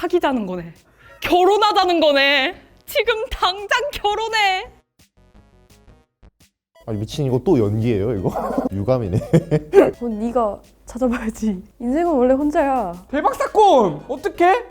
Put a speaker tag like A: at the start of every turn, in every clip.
A: 사귀자는 거네. 결혼하자는 거네. 지금 당장 결혼해.
B: 아니 미친, 이거 또 연기예요 이거? 유감이네.
C: 네가 찾아봐야지. 인생은 원래 혼자야.
D: 대박 사건! 어떡해?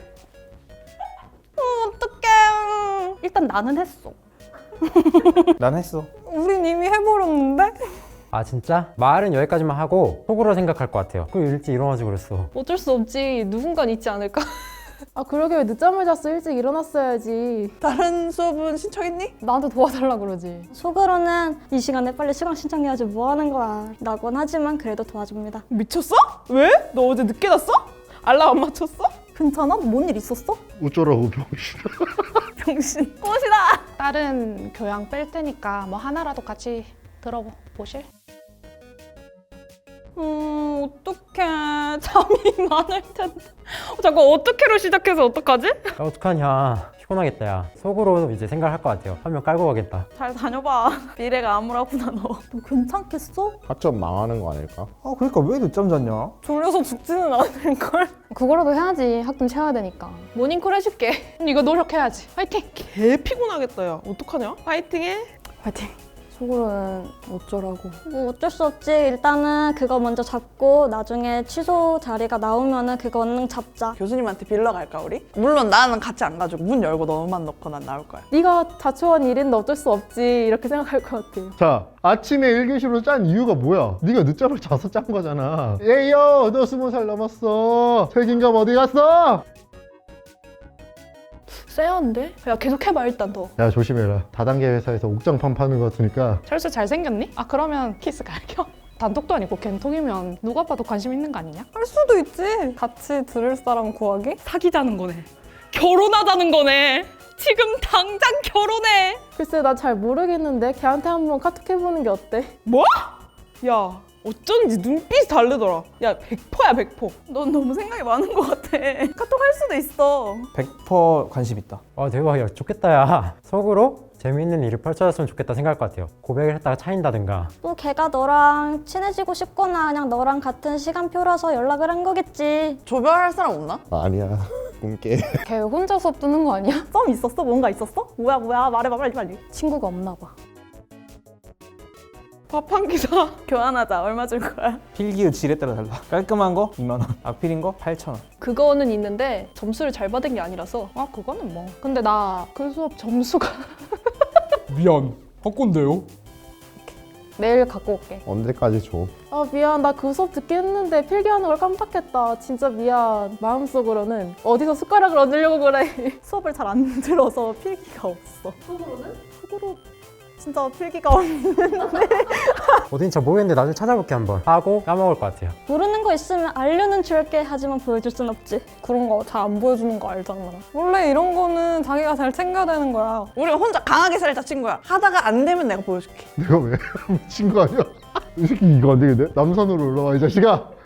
A: 어떡해. 일단 나는 했어.
D: 난 했어.
C: 우린 이미 해버렸는데?
E: 아 진짜? 말은 여기까지만 하고 속으로 생각할 것 같아요. 그럼 일찍 일어나지 그랬어.
F: 어쩔 수 없지. 누군간 있지 않을까?
C: 아 그러게 왜 늦잠을 잤어? 일찍 일어났어야지.
G: 다른 수업은 신청했니?
C: 나한테 도와달라 그러지.
H: 속으로는 이 시간에 빨리 수강 신청해야지 뭐 하는 거야 라곤 하지만 그래도 도와줍니다.
G: 미쳤어? 왜? 너 어제 늦게 잤어? 알람 안 맞췄어?
C: 괜찮아? 뭔 일 있었어?
B: 어쩌라고 병신.
G: 병신.
A: 꽃이다.
F: 다른 교양 뺄 테니까 뭐 하나라도 같이 들어보실?
A: 어떡해. 잠이 많을 텐데. 잠깐 어떡해로 시작해서 어떡하지?
E: 야, 어떡하냐. 피곤하겠다 야. 속으로 이제 생각할 것 같아요. 한 명 깔고 가겠다.
A: 잘 다녀봐. 미래가 암울하구나 너.
C: 너 괜찮겠어?
B: 학점 망하는 거 아닐까?
D: 아 그러니까 왜 늦잠 잤냐?
A: 졸려서 죽지는 않을걸?
C: 그거라도 해야지. 학점 채워야 되니까.
F: 모닝콜 해줄게. 이거 노력해야지. 화이팅!
G: 개 피곤하겠다 야. 어떡하냐? 파이팅해.
C: 파이팅. 속으로는 어쩌라고.
H: 뭐 어쩔 수 없지. 일단은 그거 먼저 잡고 나중에 취소 자리가 나오면은 그거 얼른 잡자.
G: 교수님한테 빌러 갈까 우리? 물론 나는 같이 안 가지고 문 열고 너만 넣고 난 나올 거야.
C: 네가 자초한 일인데 어쩔 수 없지. 이렇게 생각할 것 같아.
B: 자, 아침에 1교시로 짠 이유가 뭐야? 네가 늦잠을 자서 짠 거잖아. 에이요, 너 20살 넘었어. 책임감 어디 갔어?
F: 쎄한데? 야 계속 해봐 일단 더.
B: 야, 조심해라. 다단계 회사에서 옥장판 파는 거 같으니까.
F: 철수 잘생겼니? 아 그러면 키스 갈겨? 단톡도 아니고 겐톡이면 누가 봐도 관심 있는 거 아니냐?
C: 할 수도 있지. 같이 들을 사람 구하기?
A: 사귀자는 거네. 결혼하자는 거네. 지금 당장 결혼해.
C: 글쎄 나 잘 모르겠는데 걔한테 한번 카톡 해보는 게 어때?
G: 뭐? 야 어쩐지 눈빛이 다르더라. 야 100%야 100%. 넌 너무 생각이 많은 것 같아. 카톡 할 수도 있어.
D: 100% 관심 있다.
E: 아 대박 야 좋겠다 야. 속으로 재미있는 일이 펼쳐졌으면 좋겠다 생각할 것 같아요. 고백을 했다가 차인다든가.
H: 또 걔가 너랑 친해지고 싶거나 그냥 너랑 같은 시간표라서 연락을 한 거겠지.
G: 조별할 사람 없나?
B: 아니야. 꿈깨.
C: 걔 혼자 수업 듣는 거 아니야?
A: 썸 있었어? 뭔가 있었어? 뭐야 말해봐 빨리.
C: 친구가 없나 봐.
G: 밥 한 끼 사. 교환하자. 얼마 줄 거야?
D: 필기의 질에 따라 달라. 깔끔한 거 2만 원, 악필인 거 8천 원.
F: 그거는 있는데 점수를 잘 받은 게 아니라서 아 그거는 뭐. 근데 나 그 수업 점수가
D: 미안. 헛건데요?
C: 내일 갖고 올게.
B: 언제까지 줘?
C: 아 미안 나 그 수업 듣게 했는데 필기하는 걸 깜빡했다. 진짜 미안. 마음속으로는 어디서 숟가락을 얹으려고 그래.
A: 수업을 잘 안 들어서 필기가 없어. 속으로 진짜 필기가 없는.
E: 어딘지 잘 모르겠는데 나중에 찾아볼게 한번. 하고 까먹을 것 같아요.
H: 모르는 거 있으면 알려는 줄게. 하지만 보여줄 순 없지.
C: 그런 거 잘 안 보여주는 거 알잖아. 원래 이런 거는 자기가 잘 챙겨야 되는 거야.
G: 우리가 혼자 강하게 살자 친구야. 하다가 안 되면 내가 보여줄게.
B: 내가 왜? 미친 거 아니야? 이 새끼 이거 안 되겠네? 남산으로 올라와 이 자식아.